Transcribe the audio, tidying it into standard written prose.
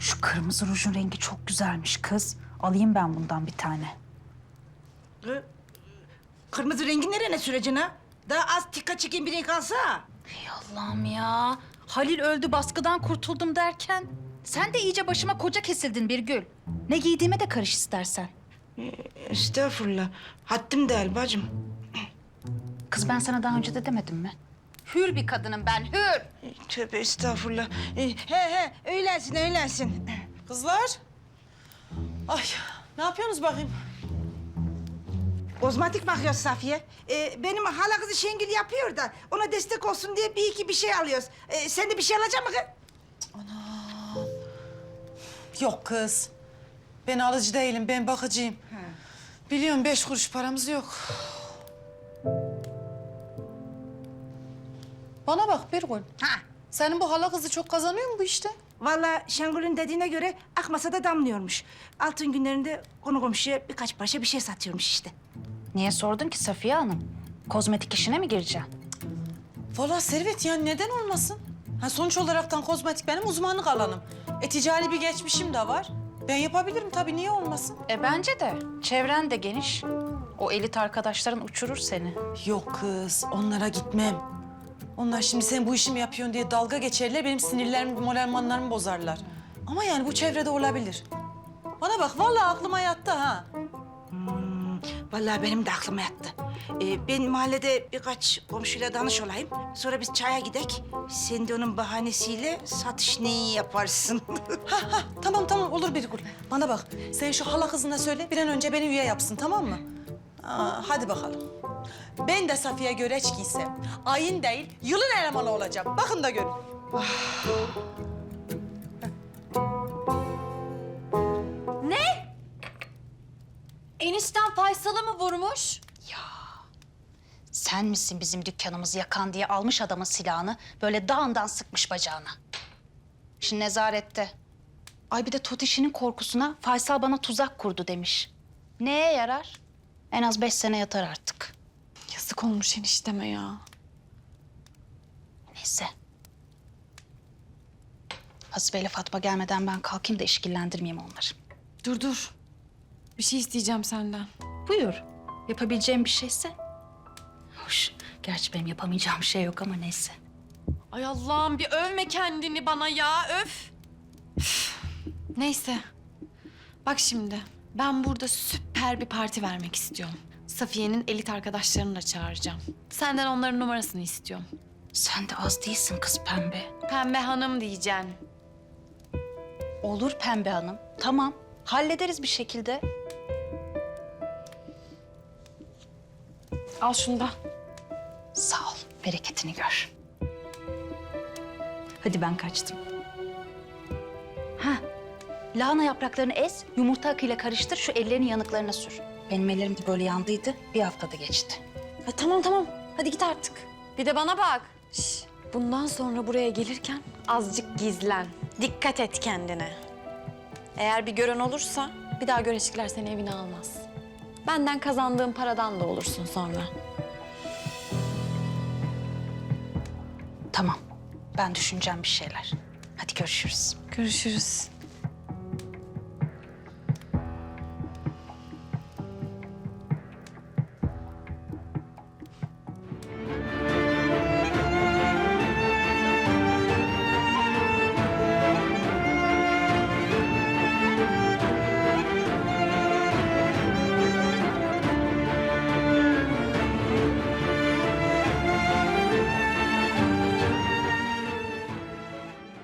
Şu kırmızı rujun rengi çok güzelmiş kız. Alayım ben bundan bir tane. Kırmızı rengi nereye süreceksin ha? Daha az dikkat çeken bir renk alsa. Ey Allah'ım ya. Halil öldü, baskıdan kurtuldum derken... Sen de iyice başıma koca kesildin Birgül. Ne giydiğime de karış istersen. Estağfurullah. Haddim değil bacım. Kız ben sana daha önce de demedim mi? Hür bir kadınım ben, hür. Tövbe estağfurullah. He öylesin. Kızlar. Ay ne yapıyorsunuz bakayım? Kozmetik bakıyoruz Safiye. Benim hala kızı Şengül yapıyor da ona destek olsun diye bir iki bir şey alıyoruz. Sen de bir şey alacak mısın kız? Yok kız. Ben alıcı değilim, ben bakıcıyım. Biliyorum 5 kuruş paramız yok. Bana bak Birgül. Ha. Senin bu hala kızı çok kazanıyor mu bu işte? Vallahi Şengül'ün dediğine göre akmasa da damlıyormuş. Altın günlerinde konu komşuya birkaç parça bir şey satıyormuş işte. Niye sordun ki Safiye Hanım? Kozmetik işine mi gireceksin? Vallahi Servet yani neden olmasın? Ha, sonuç olaraktan kozmetik benim uzmanlık alanım. Ticari bir geçmişim de var. Ben yapabilirim tabii, niye olmasın? Bence de. Çevren de geniş. O elit arkadaşların uçurur seni. Yok kız, onlara gitmem. Onlar şimdi sen bu işi mi yapıyorsun diye dalga geçerler, benim sinirlerimi, moralmanlarımı bozarlar. Ama yani bu çevrede olabilir. Bana bak, vallahi aklıma yattı ha. Vallahi benim de aklıma yattı. Ben mahallede birkaç komşuyla danış olayım. Sonra biz çaya gidek. Sen de onun bahanesiyle satış neyi yaparsın? Tamam olur Birgül. Bana bak, sen şu hala kızına söyle, bir an önce beni üye yapsın, tamam mı? Hadi bakalım. Ben de Safiye Göreç giysem, ayın değil, yılın elemanı olacağım. Bakın da görün. Enişten Faysal'ı mı vurmuş? Sen misin bizim dükkanımızı yakan diye almış adamın silahını, böyle dağından sıkmış bacağına. Şimdi nezarette. Ay bir de Totiş'inin korkusuna Faysal bana tuzak kurdu demiş. Neye yarar? En az 5 sene yatar artık. Yazık olmuş enişteme ya. Neyse. Hasibe ile Fatma gelmeden ben kalkayım da işkillendirmeyeyim onları. Dur. Bir şey isteyeceğim senden. Buyur. Yapabileceğim bir şeyse. Hoş. Gerçi benim yapamayacağım şey yok ama neyse. Ay Allah'ım bir övme kendini bana ya, öf. Neyse. Bak şimdi, ben burada süper bir parti vermek istiyorum. Safiye'nin elit arkadaşlarını da çağıracağım. Senden onların numarasını istiyorum. Sen de az değilsin kız Pembe. Pembe Hanım diyeceksin. Olur Pembe Hanım. Tamam. Hallederiz bir şekilde. Al şunu da. Sağ ol. Bereketini gör. Hadi ben kaçtım. Ha, lahana yapraklarını ez, yumurta akıyla karıştır, şu ellerini yanıklarına sür. Benim ellerim de böyle yandıydı, bir haftada geçti. Ay, tamam. Hadi git artık. Bir de bana bak. Şş, bundan sonra buraya gelirken azıcık gizlen. Dikkat et kendine. Eğer bir gören olursa bir daha Göreçlikler seni evine almaz. Benden kazandığın paradan da olursun sonra. Tamam, ben düşüneceğim bir şeyler. Hadi görüşürüz. Görüşürüz.